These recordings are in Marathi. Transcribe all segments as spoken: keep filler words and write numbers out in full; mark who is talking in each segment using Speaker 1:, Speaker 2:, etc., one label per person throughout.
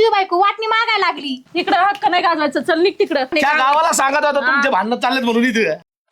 Speaker 1: तुझी बायको वाटणी मागायला लागली.
Speaker 2: इकडं हक्क नाही गाजवायचं, चल निघ तिकडं.
Speaker 3: त्या गावाला सांगत होता तुमचे भांडण चाललेत म्हणून इथे.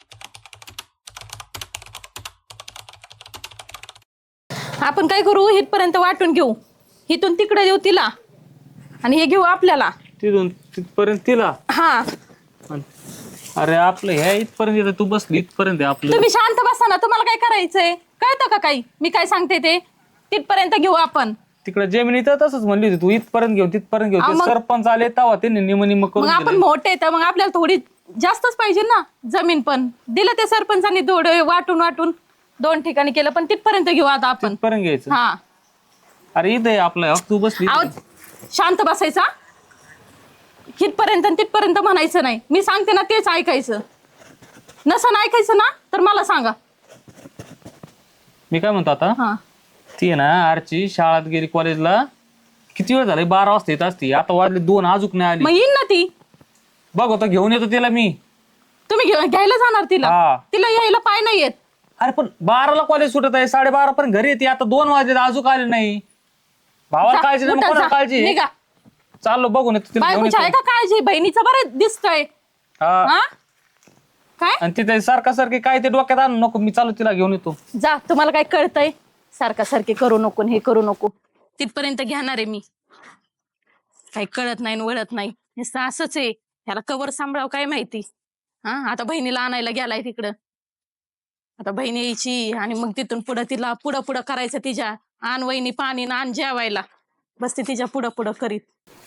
Speaker 2: आपण काय करू, इथपर्यंत वाटून घेऊ, इथून तिकडे देऊ तिला आणि हे घेऊ आपल्याला.
Speaker 4: तिथून तिथपर्यंत तिला.
Speaker 2: हा
Speaker 4: अरे आपलं ह्या इथपर्यंत येतं, तू बसली इथपर्यंत आहे आपलं.
Speaker 2: तुम्ही शांत बसा ना, तुम्हाला काय करायचंय कळतं का काही मी काय सांगते ते. तिथपर्यंत घेऊ आपण.
Speaker 4: तिकडे जमिनी तर तसंच म्हणली होती तू, इथपर्यंत घेऊ तिथपर्यंत घेऊ.
Speaker 2: हा,
Speaker 4: ते
Speaker 2: मग-
Speaker 4: सरपंच आले तेव्हा त्यांनी निम निम
Speaker 2: मग
Speaker 4: करून
Speaker 2: आपण
Speaker 4: दिलं.
Speaker 2: मोठे तर मग आपल्याला थोडी जास्तच पाहिजे ना जमीन. पण दिलं ते सरपंचांनी थोडं वाटून वाटून दोन ठिकाणी केलं, पण तिथपर्यंत घेऊ आता आपण.
Speaker 4: तिथपर्यंत घ्यायचं.
Speaker 2: हा
Speaker 4: अरे इथे आपलं तू बसली इथं.
Speaker 2: आहो, शांत बसायचा. हितपर्यंत आणि तिथपर्यंत म्हणायचं नाही, मी सांगते ना तेच ऐकायचं. नसन ऐकायचं ना तर मला सांगा.
Speaker 4: मी काय म्हणतो आता,
Speaker 2: हा
Speaker 4: ती आहे ना आरची शाळेत गेली कॉलेजला, किती वेळ झाला, बारा वाजता येत असती, आता वाजले दोन, अजून नाही
Speaker 2: मग
Speaker 4: आली.
Speaker 2: येईन ना ती.
Speaker 4: बघ आता घेऊन येतो तिला मी.
Speaker 2: तुम्ही घे- घ्यायला जाणार तिला?
Speaker 4: हा.
Speaker 2: तिला यायला पाय नाही येत.
Speaker 4: अरे पण बाराला कॉलेज सुटत आहे, साडेबारा पर्यंत घरी येते, आता दोन वाजले अजून आले नाही. भावाला
Speaker 2: जा,
Speaker 4: काळजी नाही, मग
Speaker 2: उठा,
Speaker 4: कोणाला
Speaker 2: जा,
Speaker 4: काळजी?
Speaker 2: निघा.
Speaker 4: चाललो बघून येतो तिला घेऊन
Speaker 2: बायकोची आहे
Speaker 4: येतो.
Speaker 2: का काळजी? बहिणीचं बरं दिसतंय.
Speaker 4: हा.
Speaker 2: हा काय
Speaker 4: आणि तिथे सारखा सारखी काय ते डोक्यात आणू नको, मी चालू तिला घेऊन येतो.
Speaker 2: जा, तुम्हाला काय कळतंय? सारखा सारखे करू नको, हे करू नको. तिथपर्यंत घेणार आहे मी. काही कळत नाही वळत नाही, नुसतं असंच आहे. ह्याला कवर सांभाळाव काय माहिती. हा आता बहिणीला आणायला गेलाय तिकडं. आता बहीण यायची आणि मग तिथून पुढं तिला पुढं पुढं करायचं तिच्या. आण वहिनी पाणी ना आण जेवायला, बस ती तिच्या पुढं पुढं करीत.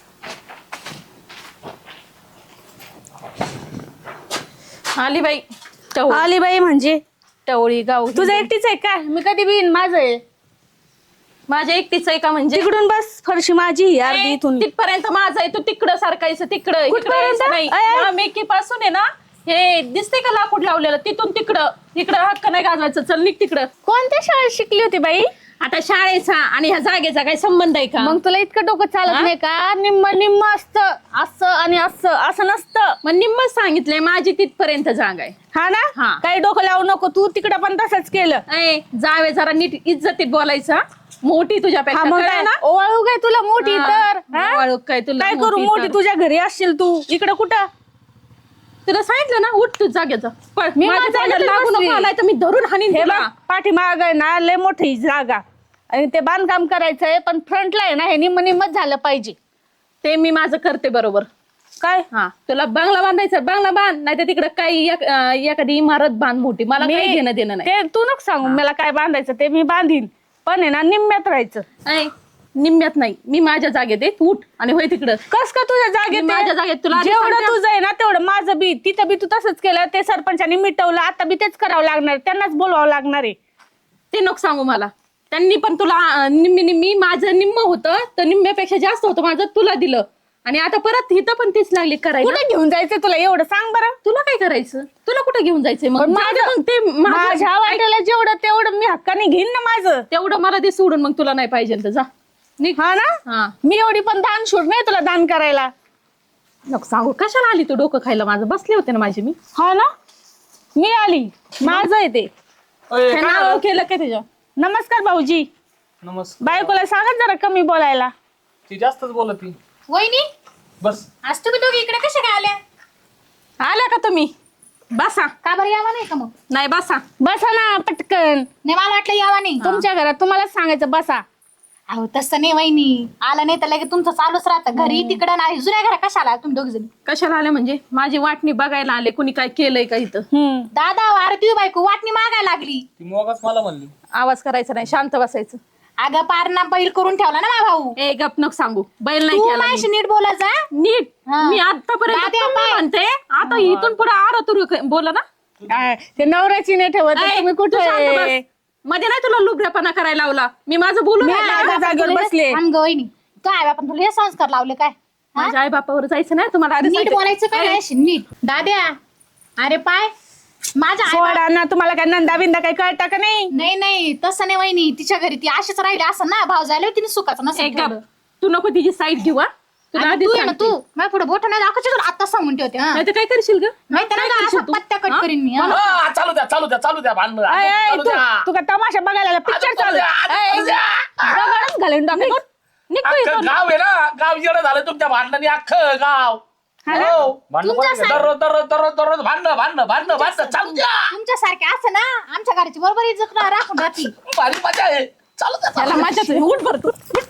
Speaker 2: आली बाई टवळी.
Speaker 1: आली बाई म्हणजे
Speaker 2: टवळी गाव
Speaker 1: तुझं एकटीच आहे का? मी कधी बिन माझं आहे.
Speaker 2: माझ्या एकटीच आहे का म्हणजे?
Speaker 1: तिकडून बस, फरशी माझी अर्धी इथून.
Speaker 2: तिथपर्यंत माझं आहे, तू तिकडं सारखायचं, तिकडं इकडं
Speaker 1: कुठपर्यंत?
Speaker 2: यायचं नाही.
Speaker 1: अय, अय.
Speaker 2: हा, मेकी पासून आहे ना, हे दिसते का लाकूड लावलेलं, तिथून तिकडं. इकडं हक्क नाही गाजवायचं, चल निघ तिकडं.
Speaker 1: कोणत्या शाळेत शिकली होती बाई?
Speaker 2: आता शाळेचा आणि ह्या जागेचा काय संबंध आहे का?
Speaker 1: मग तुला इतकं डोकं चालत
Speaker 2: हा?
Speaker 1: नाही का? निम्म निम्म असतं, असं आणि असं असं नसतं.
Speaker 2: मग निम्मच सांगितलंय, माझी तिथपर्यंत जागा आहे.
Speaker 1: हा
Speaker 2: हा.
Speaker 1: ना, काही डोकं लावू नको तू. तिकडं पण तसंच केलं.
Speaker 2: ऐ जावे जरा नीट इज्जतीत बोलायचं. मोठी
Speaker 1: हा
Speaker 2: तुझ्यापेक्षा
Speaker 1: मग
Speaker 2: कळलं
Speaker 1: काय
Speaker 2: ना?
Speaker 1: ओवाळू काय तुला मोठी
Speaker 2: हा,
Speaker 1: तर हा?
Speaker 2: ओवाळू काय तुला
Speaker 1: काय करू,
Speaker 2: मोठी
Speaker 1: मोठी
Speaker 2: तर.
Speaker 1: तुझ्या घरी असशील तू. इकडं कुठं?
Speaker 2: तुला सांगितलं ना, उठ तू जागेचं. पण
Speaker 1: मी
Speaker 2: माझ्या
Speaker 1: माझ्या
Speaker 2: जागेत
Speaker 1: जागेत
Speaker 2: लागू
Speaker 1: बसली.
Speaker 2: नको, आलाय तर मी धरून हाणीन
Speaker 1: हे
Speaker 2: तुला.
Speaker 1: बघ, पाठीमाग आहे ना लय मोठी जागा आणि ते बांधकाम करायचंय, पण फ्रंटला आहे ना हे निम्म निम्मच झालं पाहिजे.
Speaker 2: ते मी माझं करते बरोबर.
Speaker 1: काय?
Speaker 2: हा तुला बंगला बांधायचा बंगला बांध, नाही तर तिकडे काही एक- अं, एखादी इमारत बांध मोठी. मला
Speaker 1: मी-
Speaker 2: काही घेणं देणं नाही.
Speaker 1: ते तू नको सांगू मला काय बांधायचं, ते मी बांधीन, पण आहे ना निम्म्यात राहायचं.
Speaker 2: ऐ, निम्म्यात नाही, मी माझ्या जागेत आहे, तू उठ आणि होय तिकडं.
Speaker 1: कस का तुझ्या जागेत
Speaker 2: मी
Speaker 1: आहे?
Speaker 2: माझ्या जागेत तुला आधी
Speaker 1: जेवढं
Speaker 2: सांगते.
Speaker 1: तुझं आहे ना तेवढं माझं बी. तिथं बी तू तसंच केलं, ते सरपंचानी मिटवलं, आता बी तेच करावं लागणार, त्यांनाच बोलवावं लागणार आहे.
Speaker 2: ते नको सांगू मला. त्यांनी पण तुला अं, निम्मी निम्मी, माझं निम्म होतं तर निम्म्यापेक्षा जास्त होतं माझं, तुला दिलं. आणि आता परत इथं पण तीच लागली करायला.
Speaker 1: कुठे घेऊन जायचं तुला एवढं सांग बरं?
Speaker 2: तुला काय करायचं? तुला कुठे घेऊन जायचंय मग?
Speaker 1: पण
Speaker 2: जाऊ दे
Speaker 1: माझं-
Speaker 2: मग ते माझं-
Speaker 1: माझ्या वाट्याला जेवढं तेवढं मी हक्काने घेईन ना माझं.
Speaker 2: तेवढं मला दे सोडून, मग तुला नाही पाहिजे तर जा निघ.
Speaker 1: हा ना,
Speaker 2: हा
Speaker 1: मी एवढी पण दान शूड नाही तुला दान करायला.
Speaker 2: नको सांगू, कशाला आली तू डोकं खायला माझं? बसले होते ना माझे मी.
Speaker 1: हा ना, मी आली, माझं आहे ते.
Speaker 4: अय,
Speaker 2: हे
Speaker 4: काय
Speaker 2: नाव
Speaker 4: झालं?
Speaker 2: केलं काय त्याच्या?
Speaker 1: नमस्कार भाऊजी.
Speaker 4: नमस्कार.
Speaker 1: बायकोला सांगत जरा कमी बोलायला.
Speaker 4: ती जास्तच बोलत ती.
Speaker 1: वहिनी,
Speaker 4: बस
Speaker 1: आज तुम्ही दोघी इकडे कशा काय आल्या?
Speaker 2: आल्या का तुम्ही? बसा.
Speaker 1: का बरं यावा नाही का मग?
Speaker 2: नाही बसा.
Speaker 1: बसा ना पटकन.
Speaker 5: नाही मला वाटलं यावा नाही.
Speaker 1: तुमच्या घरात तुम्हालाच सांगायचं बसा.
Speaker 5: अहो तसं नाही वहिनी, आला नाही तर लगेच तुमचं चालूच राहतं घरी तिकडं नाही. जुन्या घरा कशाला तुम्ही दोघ जण?
Speaker 2: कशाला आले म्हणजे? माझी वाटणी बघायला आले, कुणी काय केलंय का इथं?
Speaker 1: हम्म.
Speaker 5: दादा अरे तुझी बायको वाटणी मागायला लागली.
Speaker 4: ती मोगाच मला म्हणली.
Speaker 2: आवाज करायचा नाही, शांत बसायचं.
Speaker 5: अगं पारणा बैल करून ठेवला ना माझा भाऊ.
Speaker 2: ए गप नको सांगू, बैल नाही
Speaker 5: तू
Speaker 2: केला
Speaker 5: माझ्याशी
Speaker 2: मी.
Speaker 5: नीट बोलायचा.
Speaker 2: नीट
Speaker 5: हा.
Speaker 2: मी आतापर्यंत
Speaker 5: दाद्या
Speaker 2: तुम्ही
Speaker 5: बाय.
Speaker 2: म्हणते, आता इथून पुढे आर तू बोला ना.
Speaker 1: आ, ते नवऱ्याची नाही ठेवत
Speaker 2: ए,
Speaker 1: तुम्ही
Speaker 2: तू
Speaker 1: कुठे?
Speaker 2: शांत बस. मध्ये नाही तुला लुबऱ्यापणा करायला लावला मी, माझं बोलू
Speaker 1: मी
Speaker 2: राहिला.
Speaker 1: आल्या जागेवर बसले.
Speaker 5: थांब गं वहिनी, तो आहे आपण तुला हे संस्कार लावले काय? हा?
Speaker 2: माझ्या आई बापावर जायचं नाही तुम्हाला आधी
Speaker 5: नीट
Speaker 2: सांगते.
Speaker 5: बोलायचं काय
Speaker 2: ए,
Speaker 5: नाही नीट. दाद्या अरे पाय माझ्या आई
Speaker 1: सोडा ना, तुम्हाला काय नंदा बिंदा काही कळता का नाही?
Speaker 5: नाही नाही तसं नाही वहिनी, तिच्या घरी ती अशीच राहिली असं ना, भाव झाले तिने सुखाचं
Speaker 2: ए,
Speaker 5: नसेल
Speaker 2: गप.
Speaker 5: ठेवलं.
Speaker 2: तू नको तिची साईड घेऊ हा. तुला
Speaker 5: आणि
Speaker 2: आधीच
Speaker 5: तू आहे ना
Speaker 2: सांगते.
Speaker 5: तू माझ्या पुढे बोट नाही दाखवायचे तुला आता सांगून ठेवते. हा.
Speaker 2: नाही तर काय करशील ग?
Speaker 5: माहिती ना
Speaker 2: काय
Speaker 5: का,
Speaker 2: करशील
Speaker 5: असं
Speaker 2: तू?
Speaker 5: पत्त्या कट
Speaker 2: हा?
Speaker 5: करीन मी. हा.
Speaker 3: हा, चालू द्या चालू द्या चालू द्या भांडण
Speaker 1: आय, आय,
Speaker 3: चालू
Speaker 1: तू
Speaker 3: द्या.
Speaker 1: तू का तमाशा बघायला पिक्चर
Speaker 3: चालू
Speaker 1: चालू
Speaker 3: द्या,
Speaker 1: आहे?
Speaker 3: चालू द्या.
Speaker 1: दगडच घालून टाकेल.
Speaker 2: निघतो
Speaker 3: अख्खं
Speaker 2: इथून.
Speaker 3: गाव आहे ना, गाव येणं झालं तुमच्या भांडणाने, अख्खं गाव.
Speaker 1: हा ना?
Speaker 3: हो.
Speaker 4: भांडणं कोणाला केलं?
Speaker 3: दररोज दररोज दररोज दररोज भांडणं भांडणं भांडणं भांडणं चालू द्या.
Speaker 5: तुमच्यासारखे असं ना आमच्या घराची बरोबर इज्जत राखून राहती.
Speaker 3: भारी मजा आहे, चालू द्या
Speaker 2: त्याला
Speaker 3: चालू द्या.
Speaker 2: माझ्याच उठ भरतो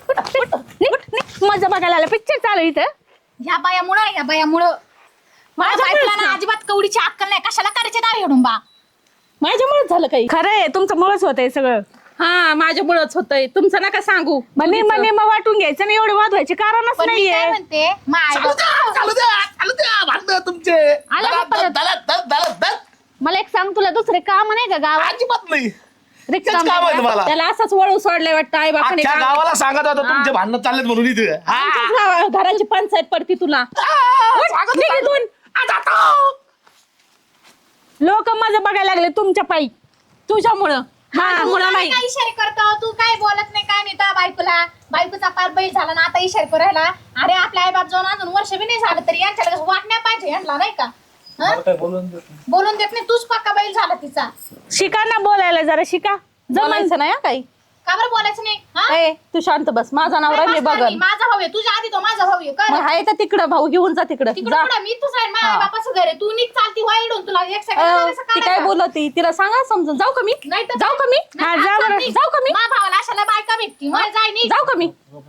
Speaker 1: मजा बघायला आला पिक्चर चालू आहे इथं.
Speaker 5: ह्या बायामुळं ह्या बायामुळं माझ्या बायकोला ना अजिबात कवडीची अक्कल नाही. कशाला करायचे दार हेडून बा.
Speaker 2: माझ्यामुळेच झालं काही.
Speaker 1: खरं आहे तुमचं मुळच होतंय सगळं.
Speaker 2: हा माझ्यामुळेच होतंय, तुमचं नका सांगू.
Speaker 1: मने मने मग वाटून घ्यायचं नाही, एवढं वादवायचे कारणच
Speaker 5: पण मी
Speaker 1: नाहीये.
Speaker 5: काय म्हणते माय
Speaker 3: चालू द्या चालू द्या चालू द्या भांडणं तुमचे.
Speaker 1: आला का
Speaker 3: दलात,
Speaker 1: परत?
Speaker 3: दलात, दलात, दलात, दलात.
Speaker 1: मला एक सांग, तुला दुसरे काम नाही का गावात?
Speaker 3: अजिबात नाही, तेच
Speaker 1: रिकाम
Speaker 3: काम आहे तुम्हाला.
Speaker 2: त्याला असंच वळू सोडलंय वाटतं आई बापाने.
Speaker 3: अख्ख्या गावाला सांगत होता तुमचे भांडणं चाललेत म्हणून इथे. हा.
Speaker 2: आमच्याच गावा- घराची पंचायत पडती तुला.
Speaker 3: आ, सांगत
Speaker 2: निघ
Speaker 3: होता.
Speaker 2: इथून.
Speaker 3: आ, जातो.
Speaker 1: लोक मजा बघायला लागले तुमच्या पायी.
Speaker 2: तुझ्यामुळं माझ्यामुळं नाही.
Speaker 5: काय इशारे करतो तू? काय बोलत नाही काय नाही त्या बायकोला. बायकोचा पार बैल झाला ना आता इशारे करायला. अरे आपल्या आई बाप जाऊन अजून वर्ष बी नाही झालं तरी यांच्या लगेच वाटण्या पाहिजे यांना नाही का? हं? बोलून देत नाही. तूच पक्का बैल झाला तिचा.
Speaker 1: शिका ना बोलायला, जरा शिका.
Speaker 2: जमायचं नाही हं काही.
Speaker 5: का बरं बोलायचं नाही? हं?
Speaker 2: ए तू शांत बस, माझा नवरा मी
Speaker 5: काय बसणार
Speaker 2: बघन.
Speaker 5: मी? माझा भाऊ आहे तुझ्या आधी तो माझा भाऊ आहे. कर
Speaker 2: मग आहे तर तिकडं भाऊ घेऊन जा तिकडं
Speaker 5: तिकडे
Speaker 2: जा.
Speaker 5: पुढे मी तूच राहील. माझ्या आई बापाचं घर आहे. तू निघ चालती वाईडून तुला एक
Speaker 2: अ,
Speaker 5: सेकंड
Speaker 2: ती काय बोलती तिला सांगा समजून. जाऊ का मी?
Speaker 5: नाही तर
Speaker 2: जाऊ का मी?
Speaker 1: हा, जा बरं.
Speaker 2: जाऊ का मी?
Speaker 5: मा भावाला अशाला बायका भेटती. मला जाय नाही.
Speaker 2: जाऊ का मी?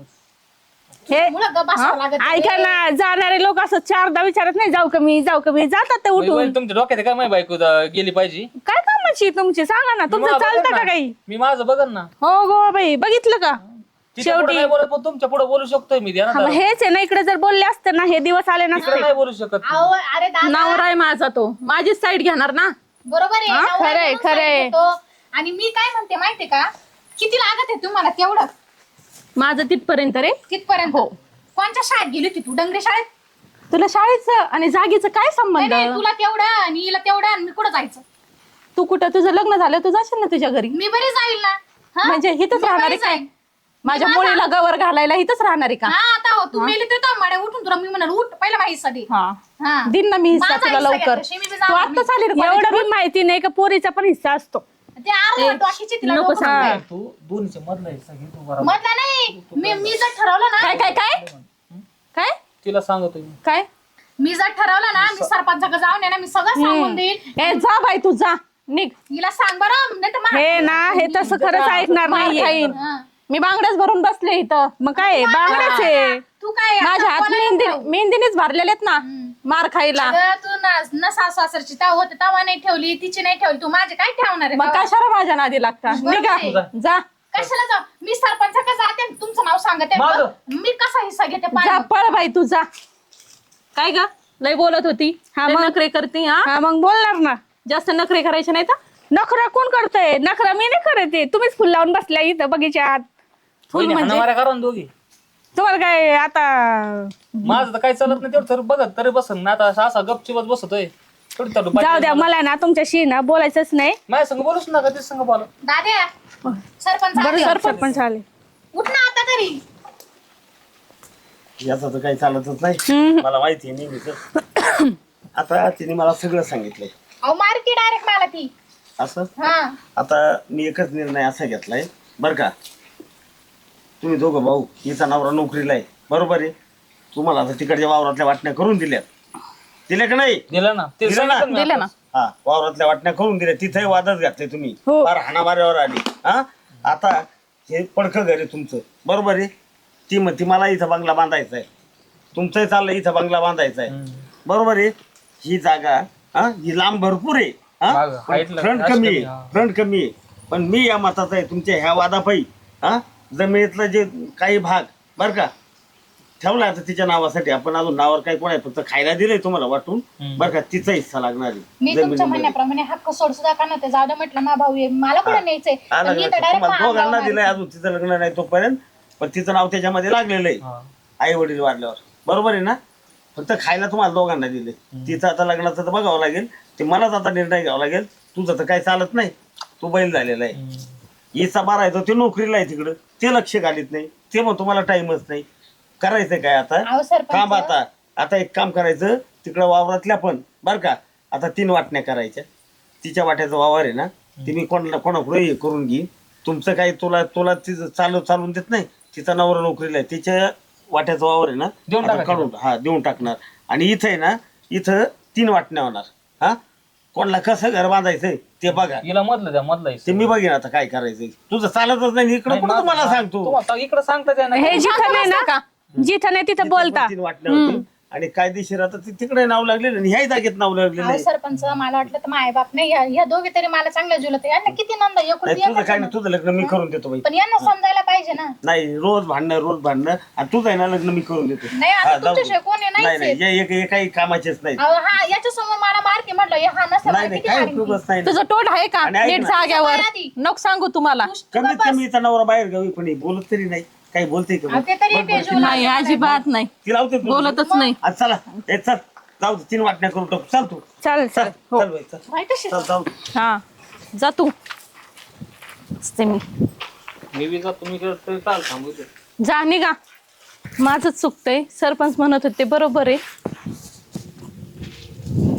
Speaker 1: हे
Speaker 5: मुलं गप्प बसावं लागत.
Speaker 1: ऐका ना, जाणारे लोक असं चारदा विचारत नाही जाऊ कमी जाऊ कमी, जातात ते उठून.
Speaker 4: वहिनी, तुमच्या डोक्यात आहे काय माझी बायको ज- गेली पाहिजे?
Speaker 1: काय कामाची तुमची सांगा ना,
Speaker 4: मी
Speaker 1: तुमचं
Speaker 4: माझं
Speaker 1: चालतं
Speaker 4: बघन
Speaker 1: का
Speaker 4: ना.
Speaker 1: काही?
Speaker 4: मी माझं बघन ना.
Speaker 1: हो गो बाई, बघितलं का?
Speaker 4: तिच्या पुढं
Speaker 1: शेवटी
Speaker 4: नाही बोलत, पण तुमच्या पुढे बोलू शकतोय मी. ध्यानात
Speaker 1: हा, मग
Speaker 4: आलं.
Speaker 1: हेच आहे ना, इकडे जर बोलले असते ना हे दिवस आले
Speaker 4: तिकडे
Speaker 1: नसते.
Speaker 4: नाही बोलू शकत.
Speaker 5: अहो, अरे दादा
Speaker 2: नवरा आहे माझा तो, माझीच साईड घेणार ना.
Speaker 5: बरोबर आहे.
Speaker 1: हा,
Speaker 5: नवरा
Speaker 1: खरंय,
Speaker 5: म्हणून
Speaker 1: खरंय.
Speaker 5: सांगतो. आणि मी काय म्हणते माहितीये का, किती लागत आहे तुम्हाला तेवढं
Speaker 2: माझं तिथपर्यंत रे.
Speaker 5: तिथपर्यंत. कोणत्या शाळेत गेली होती तू? डंगरे शाळेत?
Speaker 2: तुला शाळेचं आणि जागेचं काय
Speaker 5: नाही,
Speaker 2: संबंध?
Speaker 5: नाही, तुला तेवढं आणि हिला तेवढं आणि मी कुठं जायचं?
Speaker 2: तू कुठं तुझं लग्न झालं तू जाशील ना तुझ्या घरी.
Speaker 5: मी बरी जाईल ना. हा?
Speaker 2: म्हणजे हिथंच
Speaker 5: मी
Speaker 2: राहणार
Speaker 5: बरी
Speaker 2: आहे काय?
Speaker 5: जाईन.
Speaker 2: माझ्या
Speaker 5: मी
Speaker 2: मुलीला गवर घालायला हिथंच राहणार आहे का?
Speaker 5: हा आता हो, तू मेली तर तो मड्या उठून तुला मी म्हणाल उठ पहिला माहिती
Speaker 2: हा
Speaker 5: हा
Speaker 2: दिन ना मी हिस्सा
Speaker 5: माझा
Speaker 2: तुला
Speaker 5: हिस्सा
Speaker 2: लवकर.
Speaker 5: घ्या, मी बी
Speaker 2: तू
Speaker 5: जाणार
Speaker 2: आत्ताच आली रे
Speaker 1: एवढं
Speaker 2: कॉलेजवरून.
Speaker 1: बी माहिती नाही का पोरीचा पण हिस्सा असतो.
Speaker 5: ते अर्ध टॉकीची तिला
Speaker 2: नको
Speaker 5: डोकं
Speaker 2: सांगू.
Speaker 5: सांगते.
Speaker 4: तू दोन्हीच्या मधला हिस्सा घे तू बरोबर.
Speaker 5: मधला नाही. मी मी जर ठरवलं ना
Speaker 2: काय काय काय काय
Speaker 4: तिला सांगतो मी.
Speaker 2: काय
Speaker 5: मी जर ठरवलं ना मी सरपंचाकडे जाऊन आहे ना मी सगळं सांगून देईल.
Speaker 2: ए जा बाई तू जा निघ.
Speaker 5: हिला सांग बरं नाही तर मा-
Speaker 1: हे ना, हे तसं खरंच ऐकणार
Speaker 2: मार
Speaker 1: नाहीये.
Speaker 2: खाईन.
Speaker 5: हा.
Speaker 2: मी बांगड्याच भरून बसले इथं.
Speaker 1: मग काय बांगड्याच आहे.
Speaker 5: तू काय
Speaker 2: माझ्या
Speaker 5: आता
Speaker 2: हात
Speaker 5: कोणाला
Speaker 2: मेहंदी
Speaker 5: ठेवू?
Speaker 2: मेहंदीनेच भरलेले आहेत ना मार खायला.
Speaker 5: अगं, तू ना न सासू सासरची तवा होते तवा नाही ठेवली तिची नाही ठेवली तू माझे काय ठेवणार आहे
Speaker 2: मग
Speaker 5: तवा?
Speaker 2: कशाला माझ्या नादी लागता?
Speaker 5: बरोबर
Speaker 2: निघा
Speaker 5: आहे.
Speaker 2: जा
Speaker 5: कशाला जाऊ? मी सरपंचाकडे जाते आणि तुमचं नाव सांगते
Speaker 3: माझं?
Speaker 5: मी कसा हिस्सा घेते
Speaker 2: जा
Speaker 5: पाहिजे?
Speaker 2: पळ बाई तू जा. काय ग लय बोलत होती.
Speaker 1: हा,
Speaker 2: लय
Speaker 1: मग?
Speaker 2: नखरे करते हा.
Speaker 1: हा मग बोलणार ना.
Speaker 2: जास्त नखरे करायचे नाही तर.
Speaker 1: नखरा कोण करतोय? नखरा मी नाही करते, तुम्हीच फुल लावून बसल्या इथं बगीच्यात.
Speaker 4: वहिनी,
Speaker 2: म्हणजे?
Speaker 4: हाणामाऱ्या करा ना दोघी.
Speaker 1: तुम्हाला काय आता
Speaker 4: माझं तर काही चालत नाही तेवढं तर बघत तरी बसन ना. आता असा गपचिपच बसतोय थोडी चालू
Speaker 1: जाऊ द्या, मला ना तुमच्याशी ना बोलायचंच नाही.
Speaker 4: माझ्या संग बोलूच नका ते संग बोला.
Speaker 5: दाद्या सरपंच
Speaker 1: बरं
Speaker 5: आले.
Speaker 1: सरपंच आले.
Speaker 5: उठ ना आता तरी.
Speaker 6: याचं तर काही चालतच नाही.
Speaker 1: हम्म.
Speaker 6: मला माहिती आहे नेहमीच. आता तिने मला सगळं सांगितलंय.
Speaker 5: अहो मारती डायरेक्ट मला ती.
Speaker 6: असं
Speaker 5: हा
Speaker 6: आता मी एकच निर्णय असा घेतलाय बरं का. तुम्ही दोघं भाऊ, हिचा नवरा नोकरीला आहे बरोबर आहे. तुम्हाला आता तिकडच्या वावरातल्या वाटण्या करून दिल्यात. दिल्या का नाही?
Speaker 4: दिलं ना ते
Speaker 6: दिलं ना?
Speaker 4: सांगितलं मी
Speaker 2: दिलं ना.
Speaker 4: आताच.
Speaker 6: हा वावरातल्या वाटण्या करून दिल्या. तिथेही वादच घातले तुम्ही.
Speaker 1: हो.
Speaker 6: फार हाणामाऱ्यावर आली. हा आता हे पडकं घर आहे तुमचं बरोबर आहे. ती म्हणती मला इथं बंगला बांधायचा आहे. तुमचंही चाललंय इथं बंगला बांधायचा आहे बरोबर आहे. ही जागा हा ही लांब भरपूर आहे.
Speaker 4: मागं, height ला
Speaker 6: फ्रंट
Speaker 4: जास्त
Speaker 6: कमी
Speaker 4: कमी,
Speaker 6: आहे.
Speaker 4: हा.
Speaker 6: फ्रंट कमी आहे. पण मी या मताचा आहे तुमच्या ह्या वादापायी हा जमिनीतलं जे काही भाग बरं का ठेवला आता तिच्या नावासाठी. आपण अजून नावावर काही कोणा फक्त खायला दिलंय तुम्हाला वाटून बरं का. तिचा हिस्सा लागणार आहे
Speaker 5: मी तुमच्या
Speaker 6: जमिनीमध्ये.
Speaker 5: म्हणण्याप्रमाणे हक्क सोड सुद्धा का नव्हते. जाऊ दे म्हटलं मा भाऊ आहे मला कुठे न्यायचंय.
Speaker 6: आलं
Speaker 5: पण मी तर
Speaker 6: लक्षात.
Speaker 5: direct
Speaker 6: तुम्हाला
Speaker 5: मा
Speaker 6: दोघांना
Speaker 5: अंगावर
Speaker 6: दिलंय अजून तिचं लग्न नाही तोपर्यंत. पण तिचं नाव त्याच्यामध्ये लागलेलं आहे
Speaker 4: हा.
Speaker 6: आई वडील वाढल्यावर बरोबर आहे ना. फक्त खायला तुम्हाला दोघांना दिले. तिचं आता लग्नाचं तर बघावं लागेल. ते मलाच आता निर्णय घ्यावा लागेल. तुझं तर काही चालत नाही. तू बैल झालेला आहे. हिचा बारा आहे तो ते नोकरीला आहे तिकडं. ते लक्ष घालीत नाही. ते मग तुम्हाला टाइमच नाही. करायचं काय आता
Speaker 5: अहो सरपंच.
Speaker 6: काम आता आता एक काम करायचं तिकडं वावरातल्या पण बरं का. आता तीन वाटण्या करायच्या. तिच्या वाट्याचा वावर आहे ना ती मी कोणाला कोणाकडे हे करून घेईन. तुमचं काही तुला तुला तिचं चालू चालून देत नाही. तिचा नवरा नोकरीला आहे, तिच्या वाट्याचा वावर आहे ना
Speaker 4: देऊन
Speaker 6: आता
Speaker 4: टाका
Speaker 6: काढून हा देऊन टाकणार. आणि इथं आहे ना इथं तीन वाटण्या होणार. हा कोणाला कसं घर बांधायचंय ते बघा,
Speaker 4: हिला मधलं द्या मधलं
Speaker 6: ते मी बघेन आता काय करायचंय. तुझं चालतच नाही इकडं कुठं तुम्हाला सांगतो.
Speaker 4: इकडे सांगता
Speaker 1: हे जिथं नाही ना जिथं नाही तिथं बोलता.
Speaker 6: तीन वाटण्या होतील आणि कायदेशीर आता ते तिकडे नाव लागलेलं आणि ह्याही जागेत नाव लागलेलं
Speaker 5: अहो
Speaker 6: आहे.
Speaker 5: सरपंच मला वाटलं तर माय बाप नाही या- या दोघे तरी मला चांगल्या जुलत यांना किती नंद एकूण
Speaker 6: नाही तुझं काय नाही, तुझं लग्न मी करून देतो बाई.
Speaker 5: पण यांना समजायला पाहिजे ना.
Speaker 6: नाही रोज भांडणं रोज भांडणं आणि तुझं आहे ना लग्न मी करून देतो.
Speaker 5: नाही आता
Speaker 6: हा, जाऊ दे.
Speaker 5: तुमच्याशिवाय कोणी
Speaker 6: नाही
Speaker 5: नाहीच
Speaker 6: नाही
Speaker 5: आहे.
Speaker 6: हे एक- हे काही कामाचेच नाही.
Speaker 5: अहो, हा याच्या समोर मला मारते म्हटलं हे हा नसता
Speaker 6: नाही नाही
Speaker 5: किती
Speaker 6: काय
Speaker 5: मारीन ती.
Speaker 6: उपयोगच नाही.
Speaker 2: तुझं तोंड आहे का
Speaker 6: आणि ऐक
Speaker 2: नीट
Speaker 6: ना.
Speaker 2: जाग्यावर
Speaker 5: आधी.
Speaker 2: नको सांगू तुम्हाला.
Speaker 6: कमीत कमी इथं नवरा बाहेर गावी पण हे बोलत तरी नाही, काही बोलते का
Speaker 5: अहो, ते तरी
Speaker 6: बरं, बरं,
Speaker 5: पेजूला
Speaker 2: नाही अजिबात नाही
Speaker 6: ती लावते तू.
Speaker 2: बोलतच नाही.
Speaker 6: आज चला ए चल जाऊ दे, तीन वाटण्या करून टाकू. चल तू
Speaker 1: चल
Speaker 6: चल
Speaker 1: चल हो.
Speaker 6: चल बाई चल
Speaker 5: माहित असेल.
Speaker 6: चल जाऊ दे.
Speaker 2: हा जा तू. असते मी
Speaker 4: मी बी जातो मी चाल थांबू
Speaker 2: जा निघा. माझंच चुकतंय. सरपंच म्हणत होते बरोबर आहे.